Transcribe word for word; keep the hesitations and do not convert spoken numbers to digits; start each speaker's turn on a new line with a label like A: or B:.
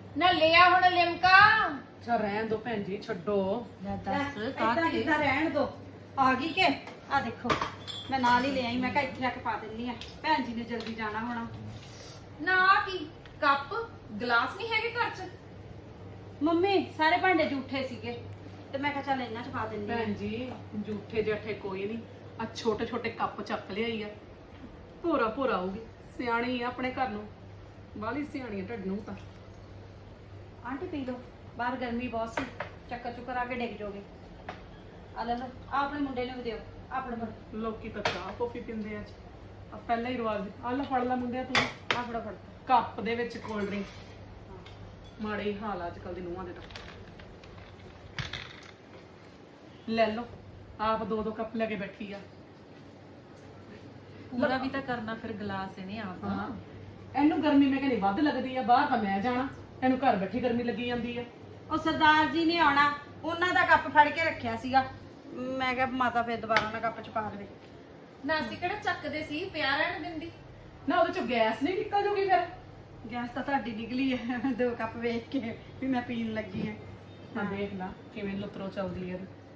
A: ਨਾ ਲਿਆ ਹੁਣ ਲਿਮਕਾ।
B: ਅੱਛਾ ਰਹਿਣ ਦੋ ਭੈਣ ਜੀ, ਛੱਡੋ।
A: ਲੈ ਦੱਸ
C: ਏਦਾਂ ਕਿੱਦਾਂ ਰਹਿਣ ਦੋ। ਆ ਗਈ ਕਿ ਆ ਦੇਖੋ ਮੈਂ ਨਾਲ ਹੀ ਲੈ ਆਈ। ਮੈਂ ਕਿਹਾ ਇੱਥੇ ਆ ਕੇ ਪਾ ਦਿੰਨੀ ਆ, ਭੈਣ ਜੀ ਨੇ ਜਲਦੀ ਜਾਣਾ ਹੋਣਾ।
A: ਨਾ ਆਹ ਕੀ ਕੱਪ ਗਲਾਸ ਨਹੀਂ ਹੈਗੇ ਘਰ ਚ?
C: ਮੰਮੀ ਸਾਰੇ ਭਾਂਡੇ ਝੂਠੇ ਸੀਗੇ ਤੇ ਮੈਂ ਕਿਹਾ ਚੱਲ ਇਹਨਾਂ ਚ ਪਾ ਦਿੰਨੀ ਆ।
B: ਭੈਣ ਜੀ ਝੂਠੇ ਜੱਠੇ ਕੋਈ ਨਹੀਂ, ਆ ਛੋਟੇ ਛੋਟੇ ਕੱਪ ਚੱਕ ਲਿਆਈ ਆ, ਭੋਰਾ ਭੋਰਾ ਆਊਗੀ। ਸਿਆਣੀ ਆ ਆਪਣੇ ਘਰ ਨੂੰ, ਬਾਹਲੀ ਸਿਆਣੀ ਆ ਢੱਡ ਨੂੰ ਤਾਂ।
C: ਆਂਟੀ ਪੀ ਲਓ, ਬਾਹਰ ਗਰਮੀ ਬਹੁਤ ਸੀ, ਚੱਕਰ ਚੁੱਕਰ ਆ ਕੇ ਡਿੱਗ ਜਾਓਗੇ। ਆ ਲੈ ਲਓ, ਆ ਆਪਣੇ ਮੁੰਡੇ ਨੂੰ ਵੀ ਦਿਓ। ਆਪਣੇ ਫੜ
B: ਲੋਕੀ ਤਾਂ ਚਾਹ ਕੌਫੀ ਪੀਂਦੇ ਆ, ਆ ਪਹਿਲਾਂ ਹੀ ਰਿਵਾਜ। ਆ ਲੈ ਫੜ ਲੈ ਮੁੰਡਿਆ ਤੂੰ
C: ਆ ਫੜੋ ਫੜ।
B: ਕੱਪ ਦੇ ਵਿੱਚ ਕੋਲਡ ਡਰਿੰਕ। ਮਾੜੇ ਹੀ ਹਾਲ ਅੱਜ ਕੱਲ ਦੇ ਨੂੰਹਾਂ ਦੇ ਤਾਂ। ਲੈ ਲਓ, ਆਪ ਦੋ ਦੋ ਕੱਪ ਲੈ ਕੇ ਬੈਠੀ ਆ।
A: ਪੂਰਾ ਵੀ ਤਾਂ ਕਰਨਾ ਫਿਰ ਗਲਾਸ ਇਹਨੇ ਆਪ।
B: ਹਾਂ ਇਹਨੂੰ ਗਰਮੀ ਮੈਂ ਕਹਿੰਦੀ ਵੱਧ ਲੱਗਦੀ ਆ, ਬਾਹਰ ਤਾਂ ਮੈਂ ਜਾਣਾ, ਇਹਨੂੰ ਘਰ ਬੈਠੀ ਗਰਮੀ ਲੱਗੀ ਜਾਂਦੀ ਆ।
C: ਉਹ ਸਰਦਾਰ ਜੀ ਨੇ ਆਉਣਾ, ਉਹਨਾਂ ਦਾ ਕੱਪ ਫੜ ਕੇ ਰੱਖਿਆ ਸੀਗਾ। ਮੈਂ ਕਿਹਾ ਮਾਤਾ ਫਿਰ ਦੁਬਾਰਾ ਨਾ ਕੱਪ ਚ ਪਾ ਦੇਵੇ।
A: ਨਾ ਅਸੀਂ ਕਿਹੜਾ ਚੱਕਦੇ ਸੀ, ਪਿਆ ਰਹਿਣ ਦਿੰਦੀ।
B: ਨਾ ਉਹਦੇ ਚੋਂ ਗੈਸ ਨਹੀਂ ਨਿਕਲ ਜੂਗੀ ਫਿਰ?
C: ਗੈਸ ਤਾਂ ਤੁਹਾਡੀ ਨਿਕਲੀ ਹੈ ਦੋ ਕੱਪ ਵੇਖ ਕੇ ਵੀ ਮੈਂ ਪੀਣ ਲੱਗੀ ਹਾਂ।
B: ਹਾਂ ਦੇਖ ਲਾ ਕਿਵੇਂ ਲੁਤਰੋ ਚੱਲਦੀ ਆ ਇਹਦੀ।